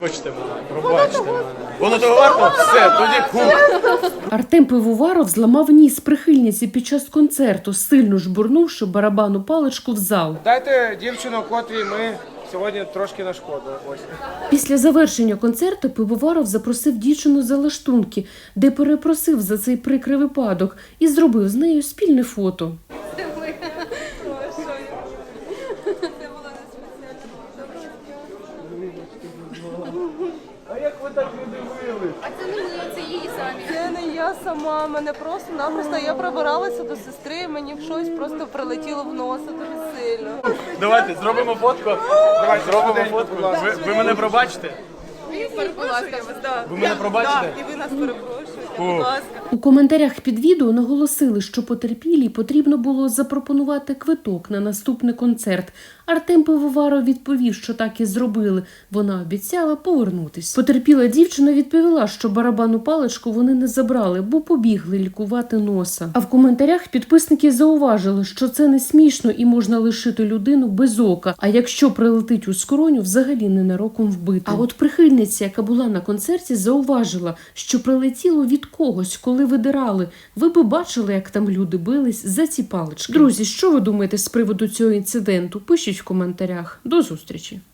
Пробачте мене. Воно того варто? Все, тоді хух. Артем Пивоваров зламав ніс прихильниці під час концерту, сильно жбурнувши барабанну паличку в зал. Дайте дівчину, котрій ми сьогодні трошки нашкодили. Ось. Після завершення концерту Пивоваров запросив дівчину за лаштунки, де перепросив за цей прикрий випадок і зробив з нею спільне фото. А як ви так не дивились? А це не ми, це її самі. Це не я сама, мене просто-напросто, я пробиралася до сестри, мені щось просто прилетіло в носа дуже сильно. Давайте зробимо фотку. Давайте зробимо фотку. Ви мене пробачите? Ви мене пробачите? І ви нас перепрошуєте, будь ласка. У коментарях під відео наголосили, що потерпілій потрібно було запропонувати квиток на наступний концерт. Артем Пивоваров відповів, що так і зробили. Вона обіцяла повернутись. Потерпіла дівчина відповіла, що барабанну паличку вони не забрали, бо побігли лікувати носа. А в коментарях підписники зауважили, що це не смішно і можна лишити людину без ока, а якщо прилетить у скроню, взагалі ненароком вбити. А от прихильниця, яка була на концерті, зауважила, що прилетіло від когось, коли видирали. Ви би бачили, як там люди бились за ці палички. Друзі, що ви думаєте з приводу цього інциденту? Пишіть в коментарях. До зустрічі!